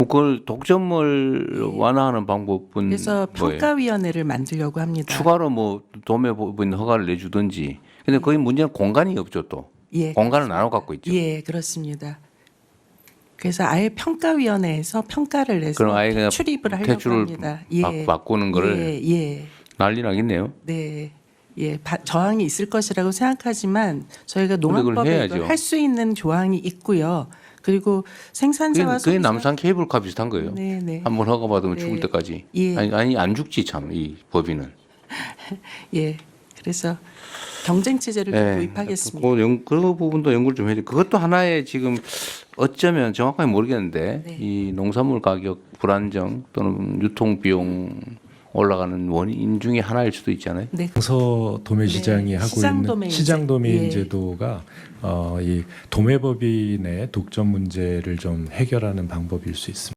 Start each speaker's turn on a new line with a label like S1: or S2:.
S1: 그걸 독점을 완화하는 방법은
S2: 그래서
S1: 뭐예요?
S2: 평가위원회를 만들려고 합니다.
S1: 추가로 뭐 도매법인 허가를 내주든지. 근데 거기 문제는 공간이 없죠 또.
S2: 예,
S1: 공간을 나눠 갖고 있죠.
S2: 예, 그렇습니다. 그래서 아예 평가위원회에서 평가를 내서
S1: 그럼 아예 그냥
S2: 출입을 하려고
S1: 대출을
S2: 합니다. 예,
S1: 바꾸는 거를
S2: 예, 예,
S1: 난리 나겠네요.
S2: 네, 예, 저항이 있을 것이라고 생각하지만 저희가
S1: 그걸
S2: 농업법에
S1: 해야죠.
S2: 할 수 있는 조항이 있고요. 그리고 생산자와
S1: 그게
S2: 소비자
S1: 남산 케이블카 비슷한 거예요.
S2: 네, 네.
S1: 한번 허가 받으면
S2: 네.
S1: 죽을 때까지.
S2: 예.
S1: 아니 안 죽지 참 이 법인은.
S2: 예, 그래서 경쟁 체제를 좀 도입하겠습니다.
S1: 그 부분도 연구를 좀 해야 돼. 그것도 하나의 지금 어쩌면 정확하게 모르겠는데
S2: 네.
S1: 이 농산물 가격 불안정 또는 유통 비용 올라가는 원인 중에 하나일 수도 있잖아요.
S2: 네,
S3: 서 도매 시장이
S2: 네,
S3: 하고
S2: 시장
S3: 있는
S2: 도매인
S3: 시장 도매인
S2: 예.
S3: 제도가 이 도매법인의 독점 문제를 좀 해결하는 방법일 수 있습니다.